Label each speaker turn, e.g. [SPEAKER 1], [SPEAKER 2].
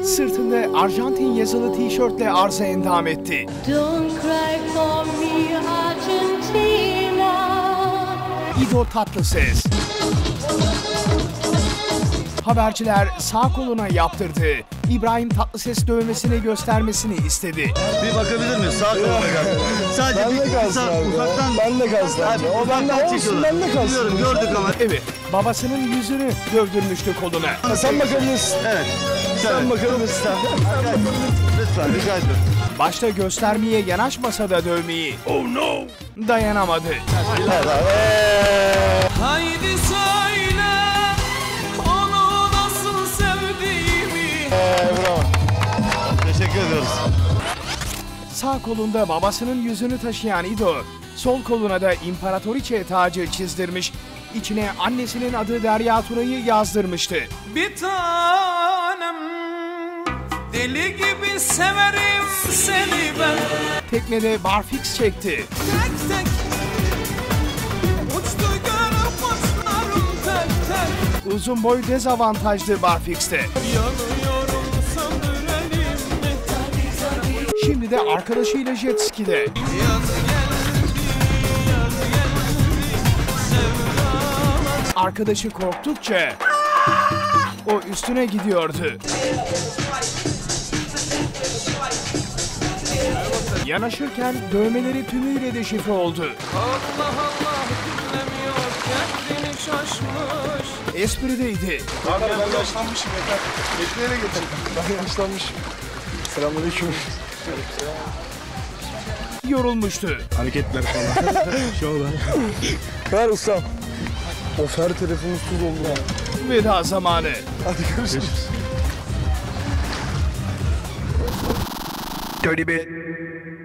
[SPEAKER 1] Sırtında Arjantin yazılı tişörtle arıza endam etti.
[SPEAKER 2] Don't cry for me, Argentina.
[SPEAKER 1] İdo Tatlıses. Haberciler sağ koluna yaptırdığı İbrahim Tatlıses dövmesini göstermesini istedi.
[SPEAKER 3] Bir bakabilir miyiz? Sağ koluna kalsın. Sadece
[SPEAKER 4] Ben de kalsın abi.
[SPEAKER 3] ufaktan.
[SPEAKER 4] Ben de kalsın abi. O bende olsun, ben de kalsın.
[SPEAKER 3] Biliyorum, gördük ama.
[SPEAKER 1] Evet, babasının yüzünü dövdürmüştü koluna.
[SPEAKER 4] Sen bakabilirsin.
[SPEAKER 3] Evet.
[SPEAKER 4] Sen bakabilirsin.
[SPEAKER 3] Lütfen rica ediyorum.
[SPEAKER 1] Başta göstermeye yanaşmasa da dövmeyi dayanamadı.
[SPEAKER 5] Haydi söyle onu nasıl sevdiğimi.
[SPEAKER 4] Bravo.
[SPEAKER 3] Teşekkür ediyoruz.
[SPEAKER 1] Sağ kolunda babasının yüzünü taşıyan İdo, sol koluna da İmparatoriçe tacı çizdirmiş, içine annesinin adı Derya Tuna'yı yazdırmıştı.
[SPEAKER 5] Bir tanem deli gibi severim seni ben.
[SPEAKER 1] Teknede barfiks çekti.
[SPEAKER 5] Tek tek uçtu gönül kuşlarım tek tek.
[SPEAKER 1] Uzun boy dezavantajlı barfikste.
[SPEAKER 5] Yanıyorum söndürelim mi?
[SPEAKER 1] Şimdi de arkadaşıyla jet ski'de.
[SPEAKER 5] Yaz geldi sevdalar.
[SPEAKER 1] Arkadaşı korktukça o üstüne gidiyordu. Yanaşırken dövmeleri tümüyle deşifre oldu.
[SPEAKER 5] Allah Allah dinlemiyor kendini şaşmış.
[SPEAKER 1] Esprideydi.
[SPEAKER 4] Abi ben yaşlanmışım yeter. Bekleyene getir. Ben yaşlanmışım. Selamünaleyküm.
[SPEAKER 1] Yorulmuştu.
[SPEAKER 4] Hareketler falan. Şovlar. Ver ustam. Of her telefonumuz tuz oldu ya.
[SPEAKER 1] Veda zamanı.
[SPEAKER 4] Hadi görüşürüz.
[SPEAKER 1] Dirty bit.